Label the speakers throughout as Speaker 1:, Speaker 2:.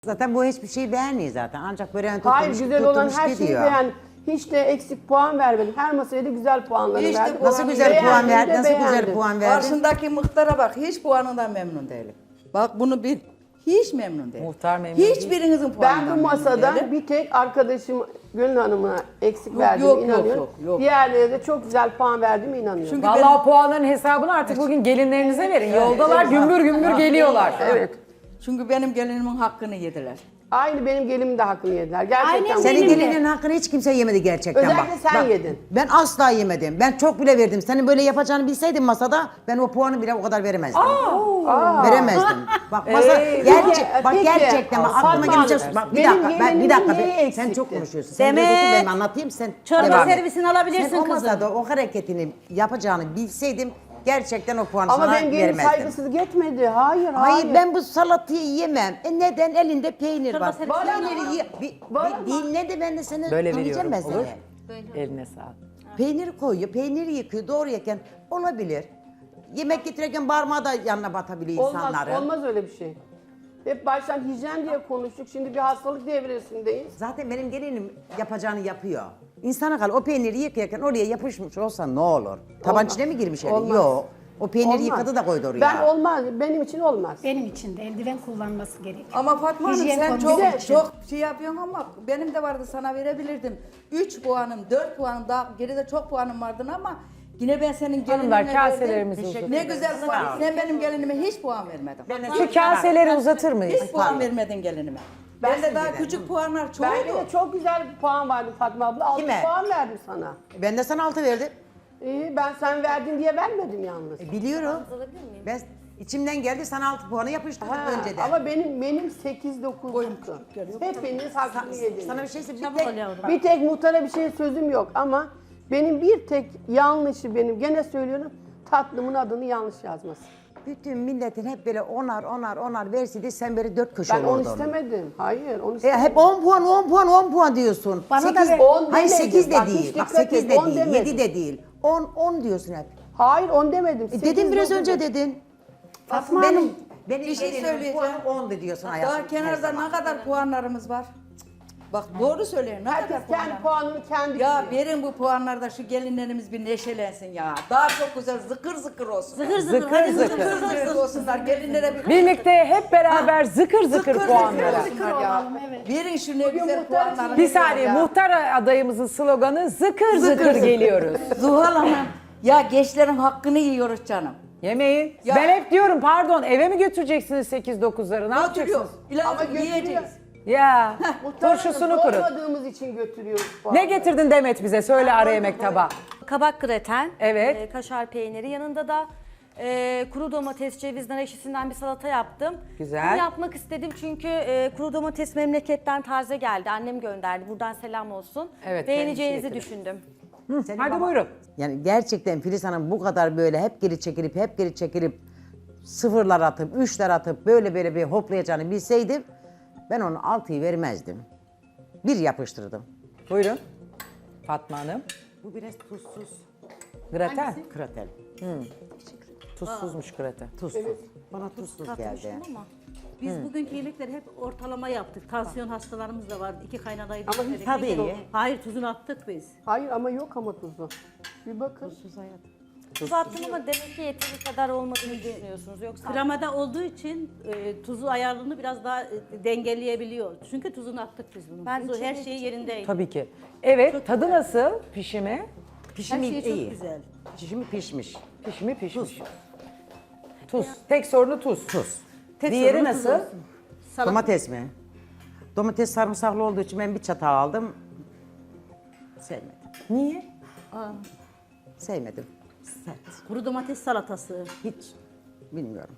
Speaker 1: Zaten bu hiçbir şeyi beğenmiyor zaten. Ancak böreğin
Speaker 2: Hayır,
Speaker 1: tutulmuş,
Speaker 2: güzel olan
Speaker 1: tutulmuş
Speaker 2: her şeyi
Speaker 1: gidiyor.
Speaker 2: beğen. Hiç de eksik puan vermedim. Her masaya da güzel puanları
Speaker 3: Hiç de
Speaker 2: verdim.
Speaker 1: Nasıl güzel
Speaker 2: Beğendim
Speaker 1: puan
Speaker 2: de
Speaker 1: verdin? Nasıl güzel
Speaker 2: beğendim.
Speaker 1: puan verdin?
Speaker 3: Karşındaki muhtara bak, hiç puanından memnun değilim. Bak bunu bil. Hiç memnun değilim.
Speaker 4: Muhtar memnun değil.
Speaker 3: Hiçbirinizin
Speaker 2: Ben
Speaker 3: puanından
Speaker 2: bu
Speaker 3: memnun
Speaker 2: masada
Speaker 3: değilim.
Speaker 2: bir tek arkadaşım Gönül Hanım'a eksik
Speaker 3: Yok,
Speaker 2: verdiğime
Speaker 3: yok, yok,
Speaker 2: inanıyorum.
Speaker 3: yok, yok.
Speaker 2: Diğerlerine de çok güzel puan verdiğime inanıyorum.
Speaker 3: Çünkü
Speaker 4: Vallahi o puanların hesabını artık bugün gelinlerinize verin. Yoldalar gümbür gümbür geliyorlar.
Speaker 2: Evet.
Speaker 3: Çünkü benim gelinimin hakkını yediler.
Speaker 2: Aynı benim gelinim de hakkını yediler. Gerçekten.
Speaker 5: Aynen
Speaker 1: Senin
Speaker 5: benim de.
Speaker 1: gelinin hakkını hiç kimse yemedi gerçekten
Speaker 2: Özellikle
Speaker 1: bak.
Speaker 2: sen
Speaker 1: Bak,
Speaker 2: yedin.
Speaker 1: Ben asla yemedim. Ben çok bile verdim. Senin böyle yapacağını bilseydim masada ben o puanı bile o kadar veremezdim. Veremezdim. Bak masa
Speaker 2: peki.
Speaker 1: gerçekten bak, aklıma
Speaker 2: Fatma
Speaker 1: gelecek.
Speaker 2: Hanım,
Speaker 1: Bak bir
Speaker 2: benim
Speaker 1: dakika bir
Speaker 2: gelinimin
Speaker 1: dakika.
Speaker 2: neyi
Speaker 1: Sen
Speaker 2: eksikti?
Speaker 1: çok konuşuyorsun. Sen
Speaker 5: Demet,
Speaker 1: biraz otur, ben anlatayım sen
Speaker 5: çorba
Speaker 1: devam et.
Speaker 5: servisini alabilirsin
Speaker 1: Sen o
Speaker 5: kızım.
Speaker 1: masada o hareketini yapacağını bilseydim gerçekten o puanı
Speaker 2: Ama
Speaker 1: sana
Speaker 2: benim gelinim
Speaker 1: vermezdim.
Speaker 2: saygısızlık etmedi. Hayır, hayır.
Speaker 1: Hayır ben bu salatayı yemem. Neden? Elinde peynir
Speaker 5: Çorba
Speaker 1: var.
Speaker 5: servisi
Speaker 1: Peyniri ye. Bir dinle de ben de seni
Speaker 4: Böyle
Speaker 1: anlayacağım
Speaker 4: veriyorum,
Speaker 1: ben
Speaker 4: olur.
Speaker 1: seni.
Speaker 4: Eline sağlık.
Speaker 1: Peyniri koyuyor, peyniri yıkıyor, doğrayırken olabilir. Yemek getirirken parmağı da yanına batabiliyor
Speaker 2: Olmaz,
Speaker 1: insanların.
Speaker 2: olmaz öyle bir şey. Hep baştan hijyen diye konuştuk. Şimdi bir hastalık devresindeyiz.
Speaker 1: Zaten benim gelinim yapacağını yapıyor. İnsana kal o peyniri yıkarken oraya yapışmış olsa ne olur? Taban
Speaker 2: Olmaz.
Speaker 1: içine mi girmiş eli?
Speaker 2: Olmaz.
Speaker 1: Yok. O peyniri
Speaker 2: Olmaz.
Speaker 1: yıkadı da koydu oraya.
Speaker 2: Ben olmaz, benim için olmaz.
Speaker 6: Benim için de eldiven kullanması gerekiyor.
Speaker 3: Ama Fatma Hanım
Speaker 6: Hijyen
Speaker 3: sen
Speaker 6: konusu
Speaker 3: çok
Speaker 6: için.
Speaker 3: çok şey yapıyorsun ama benim de vardı sana verebilirdim. 3 puanım, 4 puanım daha geride çok puanım vardı ama yine ben senin gelinine
Speaker 4: Hanımlar kaselerimizi
Speaker 1: Teşekkür
Speaker 4: uzatın.
Speaker 3: Ne güzel puan. Sen benim gelinime hiç puan vermedin.
Speaker 4: Şu kaseleri uzatır mıyız?
Speaker 3: Hiç puan vermedin gelinime. Ben de daha küçük puanlar
Speaker 2: Bende
Speaker 3: çoğuldu.
Speaker 2: de çok güzel bir puan vardı Fatma abla. 6
Speaker 1: Kime?
Speaker 2: puan verdim sana.
Speaker 1: Ben de sana 6 verdim.
Speaker 2: İyi, ben sen verdin diye vermedim yalnız.
Speaker 1: Biliyorum. Ben içimden geldi sana 6 puanı yapıştırdım
Speaker 2: Ha,
Speaker 1: önceden.
Speaker 2: ama benim 8-9 çıktı. Hepiniz hakkını yediniz.
Speaker 1: Sana bir şey söyleyeyim.
Speaker 5: Çabuk ol yavrum.
Speaker 2: Bir tek muhtara bir şey sözüm yok ama benim bir tek yanlışı benim gene söylüyorum tatlımın adını yanlış yazması.
Speaker 1: Bütün milletin hep böyle onar verseydi sen böyle 4 köşe
Speaker 2: Ben onu
Speaker 1: olurdun.
Speaker 2: istemedim. Hayır onu istemedim.
Speaker 1: Hep 10 puan, 10 puan, 10 puan diyorsun.
Speaker 6: Bana da
Speaker 1: 8,
Speaker 6: ver.
Speaker 2: 10
Speaker 1: hayır
Speaker 2: demedim.
Speaker 1: 8 de
Speaker 2: Bak,
Speaker 1: değil.
Speaker 2: hiç
Speaker 1: Bak
Speaker 2: dikkat
Speaker 1: 8
Speaker 2: et,
Speaker 1: de
Speaker 2: 10
Speaker 1: değil,
Speaker 2: demedim.
Speaker 1: 7 de değil. 10 diyorsun hep.
Speaker 2: Hayır 10 demedim.
Speaker 1: Dedin biraz
Speaker 2: 8-9
Speaker 1: önce
Speaker 2: dedim.
Speaker 1: dedin.
Speaker 2: Fatma
Speaker 1: benim,
Speaker 2: Hanım,
Speaker 1: benim
Speaker 3: bir şey
Speaker 1: gelinimin
Speaker 3: söyleyeceğim.
Speaker 1: puanı 10'du diyorsun hayatım.
Speaker 3: Daha kenarda ne kadar puanlarımız var? Bak doğru söylüyorsun. Ne
Speaker 2: herkes
Speaker 3: kadar
Speaker 2: kendi
Speaker 3: puanlar?
Speaker 2: puanını kendi
Speaker 3: Ya
Speaker 2: biliyor.
Speaker 3: verin bu puanlarda şu gelinlerimiz bir neşelensin ya. Daha çok güzel zıkır zıkır olsun.
Speaker 5: Zıkır
Speaker 4: Zıkır
Speaker 5: hadi
Speaker 4: zıkır.
Speaker 5: zıkır.
Speaker 3: Zıkır zıkır olsunlar. Gelinlere bir
Speaker 4: Birlikte hep beraber zıkır zıkır puanlara.
Speaker 3: olsunlar ya. Verin şu ne güzel
Speaker 2: muhtar
Speaker 3: puanları.
Speaker 4: Bir saniye muhtar adayımızın sloganı zıkır zıkır geliyoruz.
Speaker 3: Zuhal Hanım. Ya gençlerin hakkını yiyoruz canım.
Speaker 4: Yemeği.
Speaker 3: Ya-
Speaker 4: Ben hep diyorum pardon eve mi götüreceksiniz 8-9'ları ne
Speaker 3: Götürüyor.
Speaker 4: yapacaksınız?
Speaker 3: İlahi
Speaker 2: Ama götürüyor.
Speaker 3: yiyeceğiz.
Speaker 4: Ya
Speaker 2: Muhtar
Speaker 4: turşusunu
Speaker 2: Hanım,
Speaker 4: kurun.
Speaker 2: doymadığımız için götürüyoruz puanı.
Speaker 4: Ne getirdin Demet bize söyle ara yemek tabağı.
Speaker 5: Kabak greten,
Speaker 4: Evet.
Speaker 5: kaşar peyniri, yanında da kuru domates, ceviz, nar ekşisinden bir salata yaptım.
Speaker 4: Güzel.
Speaker 5: Bunu yapmak istedim çünkü kuru domates memleketten taze geldi. Annem gönderdi. Buradan selam olsun.
Speaker 4: Evet,
Speaker 5: Beğeneceğinizi
Speaker 4: kendisi
Speaker 5: düşündüm.
Speaker 4: Hadi buyurun.
Speaker 1: Yani gerçekten Filiz Hanım bu kadar böyle hep geri çekilip sıfırlar atıp, 3'ler atıp böyle bir hoplayacağını bilseydim ben onu 6'yı vermezdim. Bir yapıştırdım.
Speaker 4: Buyurun. Fatma Hanım.
Speaker 1: Bu biraz tuzsuz.
Speaker 4: Graten.
Speaker 1: Kratel.
Speaker 4: Tuzsuzmuş graten.
Speaker 1: Tuzsuz. Bana tuzsuz geldi.
Speaker 5: Tartıştım ama.
Speaker 7: Biz bugünkü yemekleri hep ortalama yaptık. Tansiyon hastalarımız da vardı. 2 kaynanayı
Speaker 2: Ama
Speaker 7: denedik.
Speaker 1: tadı iyi.
Speaker 7: Hayır tuzunu attık biz.
Speaker 2: Hayır ama yok ama tuzu. Bir bakın.
Speaker 5: Tuz attım ama demek ki yeteri kadar olmadığını düşünüyorsunuz. Yoksa
Speaker 7: Kremada olduğu için tuzu ayarını biraz daha dengeleyebiliyor. Çünkü tuzunu attık biz bunun.
Speaker 5: Ben
Speaker 7: Tuzu her
Speaker 5: içinde-
Speaker 7: şeyi yerindeydi.
Speaker 4: Tabii ki. Evet tadı nasıl pişimi?
Speaker 7: Her
Speaker 1: Pişimi
Speaker 7: şey çok
Speaker 1: iyi.
Speaker 7: güzel.
Speaker 1: Pişimi pişmiş.
Speaker 4: Pişimi pişmiş. Tuz. Tek sorunu tuz.
Speaker 1: Tuz.
Speaker 7: Tek
Speaker 4: Diğeri
Speaker 7: sorunu tuz
Speaker 4: nasıl?
Speaker 7: olsun. Salata-
Speaker 1: Domates mi? Domates sarımsaklı olduğu için ben bir çatal aldım. Sevmedim.
Speaker 4: Niye?
Speaker 1: Sevmedim. Sert.
Speaker 7: Kuru domates salatası.
Speaker 1: Hiç bilmiyorum.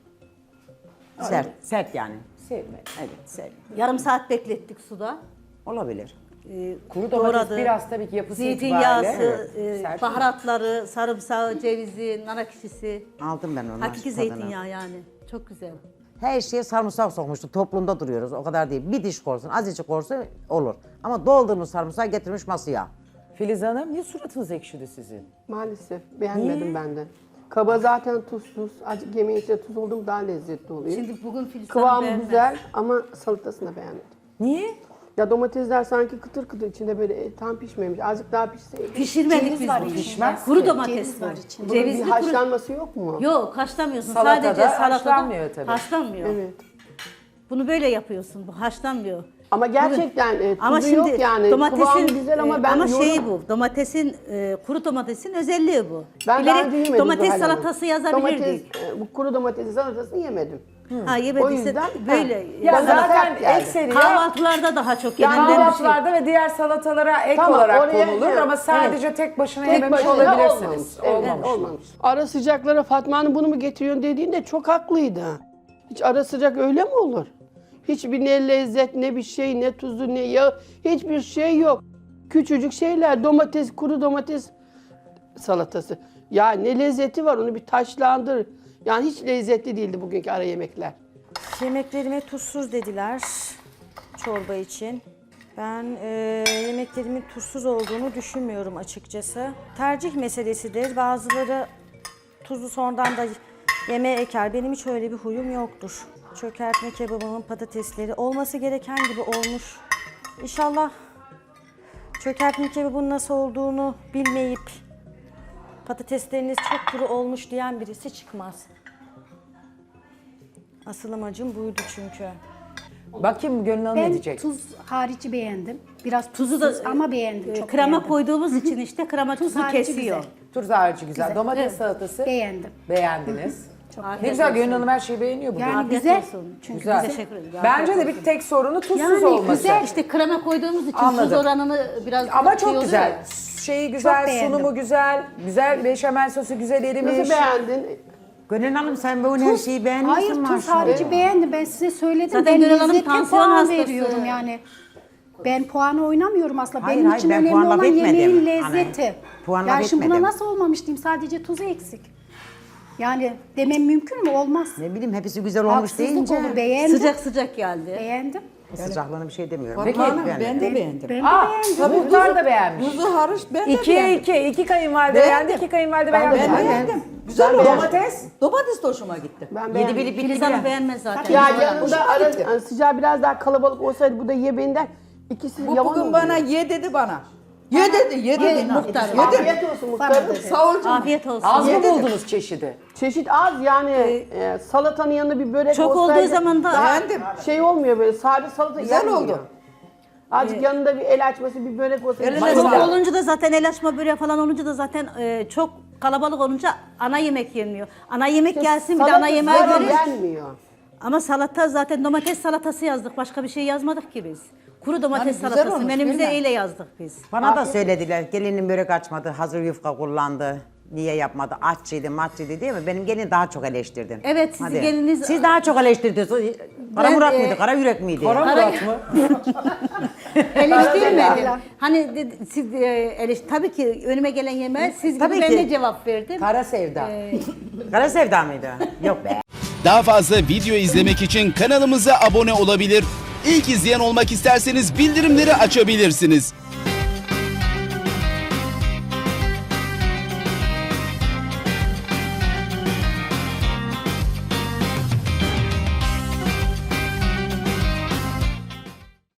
Speaker 1: Sert yani.
Speaker 4: Sevmedim.
Speaker 1: Evet, sevmedim.
Speaker 7: Yarım saat beklettik suda.
Speaker 1: Olabilir.
Speaker 4: Kuru domates
Speaker 7: Doğradı.
Speaker 4: biraz tabii ki yapısı
Speaker 7: Zeytinyağısı,
Speaker 4: itibariyle sert.
Speaker 7: baharatları, sarımsağı, cevizi, nar ekşisi.
Speaker 1: Aldım ben onu.
Speaker 7: Hakiki
Speaker 1: tadını.
Speaker 7: zeytinyağı yani. Çok güzel.
Speaker 1: Her şeye sarımsak sokmuştu. Toplumda duruyoruz. O kadar değil. Bir diş korsun, azıcık korsun olur. Ama doldurmuş sarımsağı getirmiş masaya.
Speaker 4: Filiz Hanım niye suratınız ekşidi sizin?
Speaker 2: Maalesef beğenmedim
Speaker 4: Niye?
Speaker 2: ben de. Kaba zaten tuzsuz. Azıcık yemeğin içinde tuz oldu mu daha lezzetli oluyor.
Speaker 7: Şimdi bugün Filiz Hanım
Speaker 2: Kıvamı
Speaker 7: beğenmez.
Speaker 2: güzel ama salatasını da beğenmedim.
Speaker 4: Niye?
Speaker 2: Ya domatesler sanki kıtır kıtır içinde böyle tam pişmemiş. Azıcık daha pişseydi.
Speaker 7: Pişirmedik
Speaker 6: Ceviz
Speaker 7: biz
Speaker 6: var
Speaker 7: bunu.
Speaker 6: içinde.
Speaker 4: Pişmez
Speaker 7: Kuru
Speaker 4: ki.
Speaker 7: domates
Speaker 6: Ceviz
Speaker 7: bu.
Speaker 6: var içinde.
Speaker 2: Bunun bir
Speaker 7: Cevizli kuru.
Speaker 2: haşlanması yok mu?
Speaker 7: Yok haşlamıyorsun.
Speaker 4: Salatada
Speaker 7: Sadece salatada
Speaker 4: haşlanmıyor tabii.
Speaker 7: haşlanmıyor.
Speaker 2: Evet.
Speaker 7: Bunu böyle yapıyorsun. Bu haşlanmıyor.
Speaker 2: Ama gerçekten tuzu
Speaker 7: Ama şimdi
Speaker 2: yok yani. Kıvamı güzel ama ben
Speaker 7: ama
Speaker 2: yorum-
Speaker 7: şey bu. Domatesin kuru domatesin özelliği bu.
Speaker 2: Ben daha önce
Speaker 7: Bilerek
Speaker 2: yemedim
Speaker 7: domates
Speaker 2: Zuhal Hanım.
Speaker 7: salatası yazabilirdik.
Speaker 2: Bu kuru domates salatasını yemedim.
Speaker 7: Ha
Speaker 2: O
Speaker 7: yemediyse
Speaker 2: yüzden
Speaker 7: böyle.
Speaker 4: Ya
Speaker 2: Bana
Speaker 4: zaten
Speaker 2: sert geldi.
Speaker 4: ekseri ya
Speaker 7: Kahvaltılarda daha çok
Speaker 2: Yani
Speaker 7: yenilen bir şey.
Speaker 4: kahvaltılarda ve diğer salatalara ek
Speaker 2: Tamam,
Speaker 4: olarak
Speaker 2: oraya-
Speaker 4: konulur
Speaker 2: evet,
Speaker 4: ama sadece tek başına
Speaker 2: Tek
Speaker 4: yememiş
Speaker 2: başına
Speaker 4: olabilirsiniz.
Speaker 2: olmamış. Evet, olmamış. Ara sıcaklara Fatma Hanım bunu mu getiriyorsun dediğinde çok haklıydı. Hiç ara sıcak öyle mi olur? Hiçbir ne lezzet, ne bir şey, ne tuzu, ne yağ, hiçbir şey yok. Küçücük şeyler, domates, kuru domates salatası. Ya ne lezzeti var onu bir taşlandır. Yani hiç lezzetli değildi bugünkü ara yemekler.
Speaker 5: Yemeklerime tuzsuz dediler çorba için. Ben yemeklerimin tuzsuz olduğunu düşünmüyorum açıkçası. Tercih meselesidir. Bazıları tuzu sonradan da yemeğe eker. Benim hiç öyle bir huyum yoktur. Çökertme kebabımın patatesleri olması gereken gibi olmuş. İnşallah çökertme kebabının nasıl olduğunu bilmeyip patatesleriniz çok kuru olmuş diyen birisi çıkmaz. Asıl amacım buydu çünkü.
Speaker 4: Bakayım Gönül Hanım ne
Speaker 6: Ben
Speaker 4: diyecek?
Speaker 6: tuz harici beğendim. Biraz
Speaker 7: Tuzu da
Speaker 6: tuzsuz ama beğendim. Çok
Speaker 7: krema
Speaker 6: beğendim.
Speaker 7: koyduğumuz için işte krema
Speaker 6: Tuz
Speaker 7: tuzu
Speaker 6: harici
Speaker 7: kesiyor.
Speaker 6: güzel.
Speaker 4: Tuz harici güzel.
Speaker 6: Güzel.
Speaker 4: Domates salatası
Speaker 6: Beğendim.
Speaker 4: beğendiniz.
Speaker 7: Afiyet
Speaker 4: Ne güzel
Speaker 7: olsun.
Speaker 4: Gönül Hanım her şeyi beğeniyor bugün.
Speaker 6: Yani
Speaker 7: Afiyet
Speaker 6: güzel.
Speaker 7: olsun.
Speaker 6: Çünkü
Speaker 4: Güzel.
Speaker 7: Teşekkür ederim.
Speaker 4: Bence de bir tek sorunu tuzsuz
Speaker 6: Yani
Speaker 4: olması.
Speaker 6: güzel.
Speaker 7: İşte krema koyduğumuz için
Speaker 4: Anladım.
Speaker 7: tuz oranını biraz
Speaker 4: Ama
Speaker 7: şey
Speaker 4: çok
Speaker 7: oluyor
Speaker 4: güzel.
Speaker 7: ya.
Speaker 4: Şeyi güzel,
Speaker 6: beğendim.
Speaker 4: sunumu güzel, güzel beşamel sosu güzel erimiş.
Speaker 2: Nasıl beğendin?
Speaker 1: Gönül Hanım sen bu her şeyi beğenmişsin
Speaker 6: Hayır tuz
Speaker 1: maşallah.
Speaker 6: harici beğendim. Ben size söyledim.
Speaker 7: Zaten
Speaker 6: ben
Speaker 7: Gönül Hanım
Speaker 6: lezzete
Speaker 7: tansiyon
Speaker 6: puan
Speaker 7: hastası.
Speaker 6: veriyorum yani. Ben puanı oynamıyorum aslında.
Speaker 1: Hayır,
Speaker 6: Benim
Speaker 1: hayır,
Speaker 6: için
Speaker 1: ben
Speaker 6: önemli
Speaker 1: puan laf
Speaker 6: olan
Speaker 1: etmedim.
Speaker 6: yemeğin
Speaker 1: Hani,
Speaker 6: lezzeti.
Speaker 1: puan laf
Speaker 6: yani şimdi buna
Speaker 1: etmedim.
Speaker 6: nasıl olmamış diyeyim. Sadece tuzu eksik. Yani demem mümkün mü? Olmaz.
Speaker 1: Ne bileyim hepsi güzel olmuş
Speaker 6: Haksızlık
Speaker 1: deyince.
Speaker 6: olur. Beğendim.
Speaker 7: Sıcak sıcak geldi.
Speaker 6: Beğendim.
Speaker 1: Sıcaklığına bir şey demiyorum.
Speaker 3: Fatma Hanım ben de beğendim.
Speaker 6: Ben de
Speaker 4: Aa,
Speaker 6: beğendim.
Speaker 4: muhtar da beğenmiş.
Speaker 3: Tuzu hariç ben de
Speaker 4: 2'ye
Speaker 3: beğendim.
Speaker 4: 2. 2 kayınvalide
Speaker 3: Beğendim.
Speaker 4: beğendi, 2 kayınvalide
Speaker 3: Ben
Speaker 4: beğendi.
Speaker 3: beğendim. Güzel olmuş.
Speaker 4: Domates.
Speaker 3: Domates de hoşuma gitti.
Speaker 2: Ben
Speaker 1: Yedi
Speaker 2: beğendim.
Speaker 1: bilip bitti
Speaker 7: Filiz
Speaker 1: bile.
Speaker 7: Hanım beğenmez zaten.
Speaker 2: Ya
Speaker 7: Güzel olmuş.
Speaker 2: yanında ara sıcağı biraz daha kalabalık olsaydı bu da ye benden. İkisi
Speaker 3: Bu
Speaker 2: yavan
Speaker 3: bugün
Speaker 2: oldu.
Speaker 3: bana ye dedi bana. Ye dedi, ye dedi.
Speaker 7: muhtar.
Speaker 3: Ye dedi.
Speaker 2: Afiyet olsun muhtarım.
Speaker 3: Sağ ol canım.
Speaker 7: Afiyet olsun.
Speaker 4: Az mı
Speaker 3: Ye dedi.
Speaker 4: buldunuz çeşidi?
Speaker 2: Çeşit az yani salatanın yanında bir börek
Speaker 7: Çok
Speaker 2: olsaydı
Speaker 7: olduğu zaman da-
Speaker 2: daha
Speaker 3: Beğendim.
Speaker 2: şey olmuyor böyle sade salata
Speaker 3: Güzel
Speaker 2: yenmiyor.
Speaker 3: oldu.
Speaker 2: Azıcık yanında bir el açması bir börek olsaydı.
Speaker 3: Eline
Speaker 2: Çok-
Speaker 7: Çok
Speaker 3: sağlık.
Speaker 7: olunca da zaten el açma böreği falan olunca da zaten çok kalabalık olunca ana yemek yenmiyor. Ana yemek gelsin bir de
Speaker 2: Salata
Speaker 7: ana yemeğe
Speaker 2: zaten
Speaker 7: göre.
Speaker 2: yenmiyor.
Speaker 7: Ama salata zaten domates salatası yazdık. Başka bir şey yazmadık ki biz. Kuru domates
Speaker 3: Yani güzel
Speaker 7: salatası
Speaker 3: olmuş,
Speaker 7: menümüze
Speaker 3: değil mi?
Speaker 7: öyle yazdık biz.
Speaker 1: Bana da söylediler gelinin börek açmadı, hazır yufka kullandı. Niye yapmadı? Aççıydı, matçıydı değil mi? Benim gelin daha çok eleştirdin.
Speaker 7: Evet, sizin geliniz-
Speaker 1: Siz daha çok eleştirdiniz. Kara
Speaker 7: Ben,
Speaker 1: Murat mıydı, kara yürek miydi?
Speaker 4: Kara Murat mı?
Speaker 7: Eleştirmedim. Hani siz tabii ki önüme gelen yemeğe siz gibi
Speaker 1: Tabii
Speaker 7: ben
Speaker 1: ki.
Speaker 7: de cevap verdim.
Speaker 4: Kara sevda.
Speaker 1: Kara sevda mıydı? Yok be.
Speaker 8: Daha fazla video izlemek için kanalımıza abone olabilir. İlk izleyen olmak isterseniz bildirimleri açabilirsiniz.